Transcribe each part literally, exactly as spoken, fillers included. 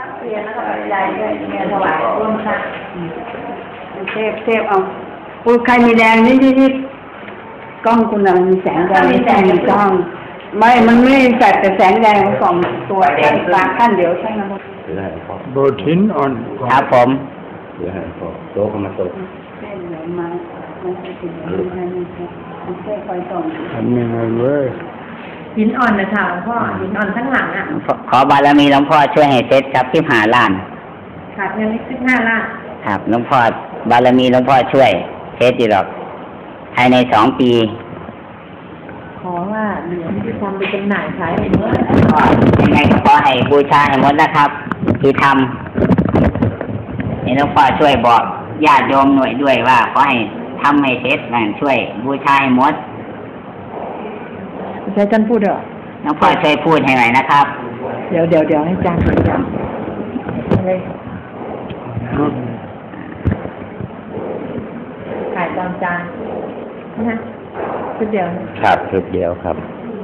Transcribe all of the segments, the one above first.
เรียนแล้วก็ปัจจัยด้วยเรียนถวายร่วมกันเทพเทพเอาปูใครมีแดงนี่ที่ที่กล้องคุณมีแสงแดงมีแสงกล้องไม่มันไม่จัดแต่แสงแดงสองตัวขั้นกลางขั้นเดียวใช่ไหมครับโบทินอ่อนครับผมเดี๋ยวให้พอโต๊ะก็มาโต๊ะเส้นเหลือมาไม่ใช่ติดไม่ใช่ไม่ใช่ไม่ใช่คอยส่งทำยังไงเว้ยหินอ่อนนะค่ะหลวงพ่อหินอ่อนข้างหลังอ่ะขอบารมีหลวงพ่อช่วยให้เสร็จครับที่หาล้านขาดเงินนิดสิบห้าล้านครับหลวงพ่อบารมีหลวงพ่อช่วยเสร็จอยู่หรอกภายในสองปีขอว่าเหรียญที่ทำไปจำหน่ายขายให้หมดยังไงก็ขอให้บูชาให้หมดนะครับที่ทำให้หลวงพ่อช่วยบอกญาติโยมหน่วยด้วยว่าขอให้ทำให้เสร็จนั่นช่วยบูชาให้หมดใช้จันพูดเหรอหลวงพ่อช่วยพูดให้หน่อยนะครับเดี๋ยวเดี๋ยวเดี๋ยวให้จันเลยจันเลยขายตามจานนะชุดเดียวครับชุดเดียวครับ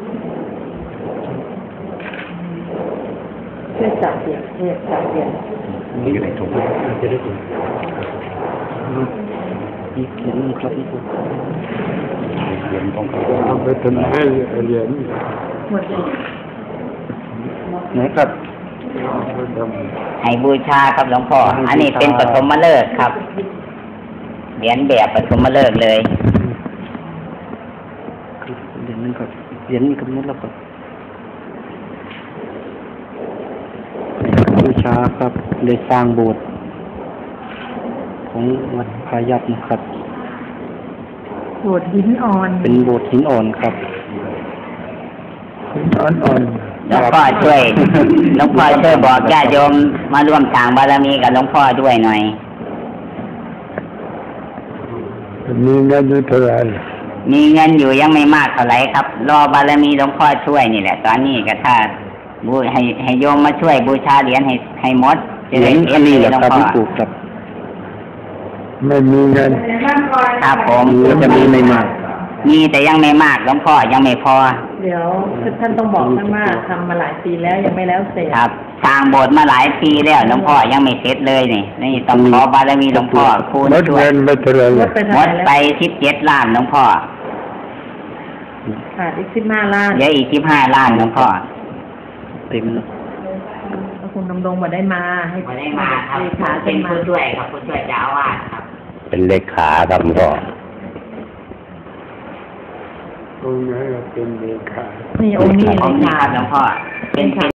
เพื่อจับเดียวเพื่อจับเดียวนี่อยู่ในถุงจะได้ถุงอีกเหรียญครับอีกเหรียญต้องเขาเอาไปทำให้เหรียญหมดเลยไหนครับให้บูชาครับหลวงพ่ออันนี้เป็นปฐมฤกษ์ครับเหรียญแบบปฐมฤกษ์เลยเหรียญนึงครับเหรียญนี้กำหนดแล้วครับบูชาครับได้สร้างโบสถ์ของวัดพายัพนะครับโบสถ์หินอ่อนเป็นโบสถ์หินอ่อนครับหินอ่อนอ่อนหลวงพ่อช่วยหลวงพ่อช่วยบอกญาติโยมมาร่วมสร้างบารมีกับหลวงพ่อด้วยหน่อยมีเงินอยู่เท่าไหร่มีเงินอยู่ยังไม่มากเท่าไหร่ครับรอบารมีหลวงพ่อช่วยนี่แหละตอนนี้ก็ถ้าบูให้ให้โยมมาช่วยบูชาเหรียญให้ให้หมดจะได้อันนี้แหละครับที่ปลูกครับไม่มีเงินครับผมจะมีไม่มากมีแต่ยังไม่มากหลวงพ่อยังไม่พอเดี๋ยวท่านต้องบอกท่านว่าทำมาหลายปีแล้วยังไม่แล้วเสร็จครับสร้างโบสถ์มาหลายปีแล้วหลวงพ่อยังไม่เสร็จเลยนี่นี่ต้องขอบารมีหลวงพ่อพูดช่วยหมดเงินไปเท่าไหร่หมดไปสิบเจ็ดล้านหลวงพ่อขาดอีกสิบห้าล้านเดี๋ยวอีกสิบห้าล้านหลวงพ่อเต็มแล้วคุณดำรงมาได้มาให้มาได้มาครับเป็นผู้ช่วยครับผู้ช่วยเจ้าอาวาสครับเป็นเลขาครับหลวงพ่อองค์นี้เป็นเลขานี่องค์นี้เลขาหลวงพ่อเป็น